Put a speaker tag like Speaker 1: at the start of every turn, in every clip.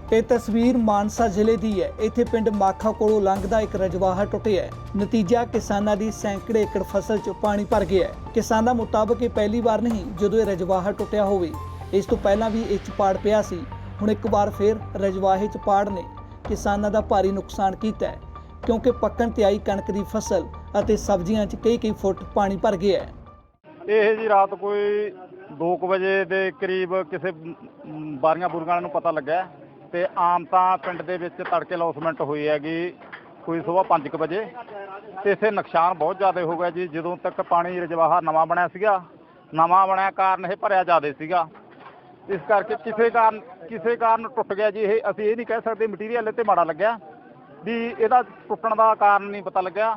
Speaker 1: ਇਹ ਤਸਵੀਰ ਮਾਨਸਾ ਜ਼ਿਲ੍ਹੇ ਦੀ ਹੈ। ਇੱਥੇ ਪਿੰਡ ਮਾਖਾ ਕੋਲੋਂ ਲੰਘਦਾ ਇੱਕ ਰਜਵਾਹਾ ਟੁੱਟਿਆ ਹੈ। ਨਤੀਜਾ ਕਿਸਾਨਾਂ ਦੀ ਸੈਂਕੜੇ ਏਕੜ ਫਸਲ 'ਚ ਪਾਣੀ ਭਰ ਗਿਆ ਹੈ। ਕਿਸਾਨਾਂ ਮੁਤਾਬਕ ਇਹ ਪਹਿਲੀ ਵਾਰ ਨਹੀਂ ਜਦੋਂ ਇਹ ਰਜਵਾਹਾ ਟੁੱਟਿਆ ਹੋਵੇ। ਇਸ ਤੋਂ ਪਹਿਲਾਂ ਵੀ ਇਹ 'ਚ ਪਾੜ ਪਿਆ ਸੀ। ਹੁਣ ਇੱਕ ਵਾਰ ਫਿਰ ਰਜਵਾਹੇ 'ਚ ਪਾੜ ਨੇ ਕਿਸਾਨਾਂ ਦਾ ਭਾਰੀ ਨੁਕਸਾਨ ਕੀਤਾ ਹੈ, ਕਿਉਂਕਿ ਪੱਕਣ ਤੇ ਆਈ ਕਣਕ ਦੀ ਫਸਲ ਅਤੇ ਸਬਜ਼ੀਆਂ 'ਚ ਕਈ ਫੁੱਟ ਪਾਣੀ ਭਰ ਗਿਆ ਹੈ।
Speaker 2: ਇਹ ਜੀ ਰਾਤ ਕੋਈ 2 ਵਜੇ ਦੇ ਕਰੀਬ ਕਿਸੇ ਬਾਰੀਆਂ ਬੁਰਗਾਂ ਵਾਲਿਆਂ ਨੂੰ ਪਤਾ ਲੱਗਾ ਤੇ ਆਮ ਤਾਂ ਪਿੰਡ ਦੇ ਵਿੱਚ ਤੜਕੇ ਲੌਸਮੈਂਟ ਹੋਈ ਹੈਗੀ ਕੋਈ ਸਵੇਰ 5 ਵਜੇ ਤੇ ਇੱਥੇ ਨੁਕਸਾਨ ਬਹੁਤ ਜ਼ਿਆਦਾ ਹੋ ਗਿਆ ਜੀ। ਜਦੋਂ ਤੱਕ ਪਾਣੀ ਰਜਵਾਹਾ ਨਵਾਂ ਬਣਿਆ ਸੀਗਾ, ਨਵਾਂ ਬਣਿਆ ਕਾਰਨ ਇਹ ਭਰਿਆ ਜ਼ਿਆਦਾ ਸੀਗਾ, ਇਸ ਕਰਕੇ ਕਿਸੇ ਕਾਰਨ ਟੁੱਟ ਗਿਆ ਜੀ। ਇਹ ਅਸੀਂ ਇਹ ਨਹੀਂ ਕਹਿ ਸਕਦੇ ਮਟੀਰੀਅਲ ਤੇ ਮਾੜਾ ਲੱਗਿਆ ਵੀ ਇਹਦਾ ਟੁੱਟਣ ਦਾ ਕਾਰਨ ਨਹੀਂ ਪਤਾ ਲੱਗਿਆ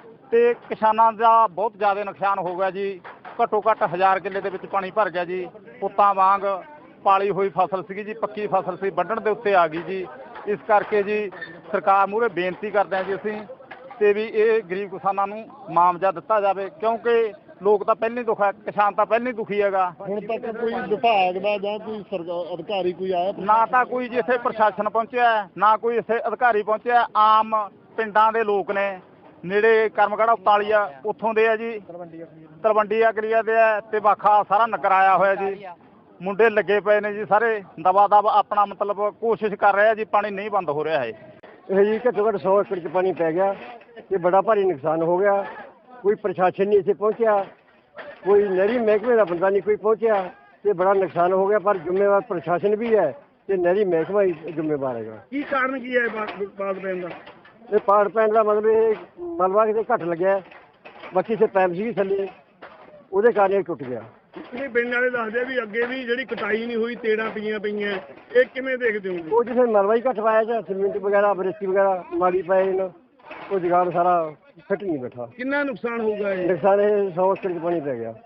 Speaker 2: ਤੇ ਕਿਸਾਨਾਂ ਦਾ ਬਹੁਤ ਜ਼ਿਆਦਾ ਨੁਕਸਾਨ ਹੋ ਗਿਆ ਜੀ। ਘੱਟੋ ਘੱਟ 1000 ਕਿੱਲੇ ਦੇ ਵਿੱਚ ਪਾਣੀ ਭਰ ਗਿਆ ਜੀ। ਪੁੱਤਾਂ ਵਾਂਗ ਪਾਲੀ ਹੋਈ ਫਸਲ ਸੀਗੀ ਜੀ, ਪੱਕੀ ਫਸਲ ਸੀ, ਵੱਢਣ ਦੇ ਉੱਤੇ ਆ ਗਈ ਜੀ। ਇਸ ਕਰਕੇ ਜੀ ਸਰਕਾਰ ਮੂਹਰੇ ਬੇਨਤੀ ਕਰਦੇ ਹਾਂ ਜੀ ਅਸੀਂ ਤੇ ਵੀ ਇਹ ਗਰੀਬ ਕਿਸਾਨਾਂ ਨੂੰ ਮੁਆਵਜ਼ਾ ਦਿੱਤਾ ਜਾਵੇ, ਕਿਉਂਕਿ ਲੋਕ ਤਾਂ ਪਹਿਲਾਂ ਹੀ ਦੁਖੀ, ਕਿਸਾਨ ਤਾਂ ਪਹਿਲਾਂ ਹੀ ਦੁਖੀ ਹੈਗਾ।
Speaker 3: ਹੁਣ ਤੱਕ ਕੋਈ ਵਿਭਾਗ ਦਾ ਜਾਂ ਕੋਈ ਅਧਿਕਾਰੀ ਕੋਈ ਆਇਆ?
Speaker 2: ਨਾ ਤਾਂ ਕੋਈ ਜੀ ਇੱਥੇ ਪ੍ਰਸ਼ਾਸਨ ਪਹੁੰਚਿਆ, ਨਾ ਕੋਈ ਇੱਥੇ ਅਧਿਕਾਰੀ ਪਹੁੰਚਿਆ। ਆਮ ਪਿੰਡਾਂ ਦੇ ਲੋਕ ਨੇ, ਨੇੜੇ ਕਰਮਗੜਾ ਉਤਾਲੀ ਆ, ਉੱਥੋਂ ਦੇ ਆ ਜੀ, ਤਲਵੰਡੀ ਅਗਲੀਆ ਦੇ ਆ ਤੇ ਵਾਖਾ ਸਾਰਾ ਨਗਰ ਆਇਆ ਹੋਇਆ ਜੀ। ਮੁੰਡੇ ਲੱਗੇ ਪਏ ਨੇ ਜੀ ਸਾਰੇ ਦਬਾ ਦਬ ਆਪਣਾ ਮਤਲਬ ਕੋਸ਼ਿਸ਼ ਕਰ ਰਹੇ ਆ ਜੀ। ਪਾਣੀ ਨਹੀਂ ਬੰਦ ਹੋ ਰਿਹਾ ਹੈ।
Speaker 3: ਇਹ ਜੀ ਘੱਟੋ ਘੱਟ 100 ਏਕੜ 'ਚ ਪਾਣੀ ਪੈ ਗਿਆ ਤੇ ਬੜਾ ਭਾਰੀ ਨੁਕਸਾਨ ਹੋ ਗਿਆ। ਕੋਈ ਪ੍ਰਸ਼ਾਸਨ ਨਹੀਂ ਇੱਥੇ ਪਹੁੰਚਿਆ, ਕੋਈ ਨਹਿਰੀ ਮਹਿਕਮੇ ਦਾ ਬੰਦਾ ਨਹੀਂ ਕੋਈ ਪਹੁੰਚਿਆ ਤੇ ਬੜਾ ਨੁਕਸਾਨ ਹੋ ਗਿਆ। ਪਰ ਜ਼ਿੰਮੇਵਾਰ ਪ੍ਰਸ਼ਾਸਨ ਵੀ ਹੈ ਤੇ ਨਹਿਰੀ ਮਹਿਕਮਾ ਹੀ ਜ਼ਿੰਮੇਵਾਰ ਹੈਗਾ।
Speaker 2: ਕੀ ਕਾਰਨ ਕੀ ਹੈ ਬਾਗ ਪੈਣ ਦਾ?
Speaker 3: ਇਹ ਪਾੜ ਪੈਣ ਦਾ ਮਤਲਬ ਇਹ ਮਲਬਾ ਕਿਤੇ ਘੱਟ ਲੱਗਿਆ, ਬਾਕੀ ਸੇ ਪੈਪ ਸੀ ਥੱਲੇ, ਉਹਦੇ ਕਾਰਨ ਇਹ ਟੁੱਟ ਗਿਆ।
Speaker 4: ਇਹ ਪਿੰਡ ਵਾਲੇ ਦੱਸਦੇ ਆ ਵੀ ਅੱਗੇ ਵੀ ਜਿਹੜੀ ਕਟਾਈ ਨਹੀਂ ਹੋਈ, ਤੇੜਾਂ ਪਈਆਂ, ਇਹ ਕਿਵੇਂ ਦੇਖਦੇ ਹੋ?
Speaker 3: ਉਹ ਜਿੱਥੇ ਮਲਬਾ ਹੀ ਘੱਟ ਪਾਇਆ ਜਾਂ ਸੀਮਿੰਟ ਵਗੈਰਾ ਬਰੇਤੀ ਵਗੈਰਾ ਮਾੜੀ ਪਏ ਨੇ, ਉਹ ਜਗਾੜ ਸਾਰਾ ਫਿੱਟ ਨਹੀਂ ਬੈਠਾ।
Speaker 4: ਕਿੰਨਾ ਨੁਕਸਾਨ ਹੋਊਗਾ ਇਹ?
Speaker 3: ਨੁਕਸਾਨ ਇਹ 100 ਏਕੜ 'ਚ ਪਾਣੀ ਪੈ ਗਿਆ।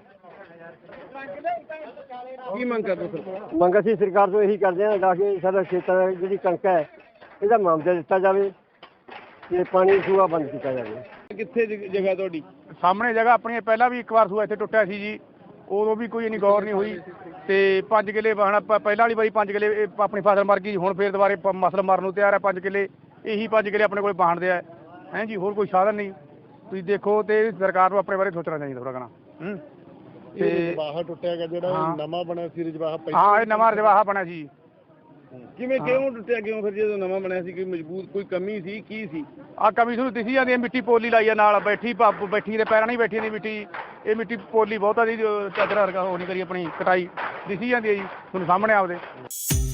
Speaker 4: ਕੀ ਮੰਗ ਕਰਦੇ ਸਰ?
Speaker 3: ਮੰਗ ਅਸੀਂ ਸਰਕਾਰ ਤੋਂ ਇਹੀ ਕਰਦੇ ਹਾਂ ਕਿ ਸਾਡਾ ਖੇਤਾਂ ਦੀ ਜਿਹੜੀ ਕਣਕ ਹੈ ਇਹਦਾ ਮੁਆਵਜ਼ਾ ਦਿੱਤਾ ਜਾਵੇ ਤੇ ਪਾਣੀ ਸੂਆ ਬੰਦ ਕੀਤਾ ਜਾਵੇ।
Speaker 4: ਕਿੱਥੇ ਜਗ੍ਹਾ ਤੁਹਾਡੀ?
Speaker 2: ਸਾਹਮਣੇ ਜਗ੍ਹਾ ਆਪਣੀ ਪਹਿਲਾਂ ਵੀ ਇੱਕ ਵਾਰ ਸੂਆ ਇੱਥੇ ਟੁੱਟਿਆ ਸੀ ਜੀ, ਉਦੋਂ ਵੀ ਕੋਈ ਇੰਨੀ ਗੌਰ ਨਹੀਂ ਹੋਈ ਤੇ 5 ਕਿੱਲੇ ਵਾਹਣਾ ਪਹਿਲਾਂ ਵਾਲੀ ਵਾਰੀ 5 ਕਿੱਲੇ ਆਪਣੀ ਫਸਲ ਮਰ ਗਈ। ਹੁਣ ਫੇਰ ਦੁਬਾਰੇ ਮਸਲ ਮਰਨ ਨੂੰ ਤਿਆਰ ਹੈ। 5 ਕਿੱਲੇ ਇਹੀ 5 ਕਿੱਲੇ ਆਪਣੇ ਕੋਲ ਵਾਹਣਦੇ ਆ ਹੈ ਜੀ, ਹੋਰ ਕੋਈ ਸਾਧਨ ਨਹੀਂ। ਤੁਸੀਂ ਦੇਖੋ ਤੇ ਸਰਕਾਰ ਨੂੰ ਆਪਣੇ ਬਾਰੇ ਸੋਚਣਾ ਚਾਹੀਦਾ ਥੋੜਾ ਘਣਾ।
Speaker 4: ਤੇ ਰਜਵਾਹਾ ਟੁੱਟਿਆ ਗਿਆ ਜਿਹੜਾ ਨਵਾਂ ਬਣਿਆ ਸੀ ਰਜਵਾਹਾ?
Speaker 2: ਹਾਂ, ਇਹ ਨਵਾਂ ਰਜਵਾਹਾ ਬਣਿਆ ਸੀ।
Speaker 4: ਕਿਉਂ ਟੁੱਟਿਆ? ਕਿਉਂ ਫਿਰ ਜਦੋਂ ਨਵਾਂ ਬਣਿਆ ਸੀ ਕੋਈ ਮਜ਼ਬੂਤ ਕੋਈ ਕਮੀ ਸੀ? ਕੀ ਸੀ
Speaker 2: ਆ ਕਮੀ ਤੁਹਾਨੂੰ ਦਿਸੀ ਜਾਂਦੀ ਹੈ? ਮਿੱਟੀ ਪੋਲੀ ਲਾਈ ਆ ਨਾਲ, ਬੈਠੀ ਦੇ ਪੈਰਾਂ ਨਹੀਂ ਬੈਠੀ ਦੀ ਮਿੱਟੀ। ਇਹ ਮਿੱਟੀ ਪੋਲੀ ਬਹੁਤਾ ਦੀ ਚਾਦਰ ਵਰਗਾ ਉਹ ਨਹੀਂ ਕਰੀ, ਆਪਣੀ ਕਟਾਈ ਦਿਸੀ ਜਾਂਦੀ ਹੈ ਜੀ ਤੁਹਾਨੂੰ ਸਾਹਮਣੇ ਆਪਦੇ।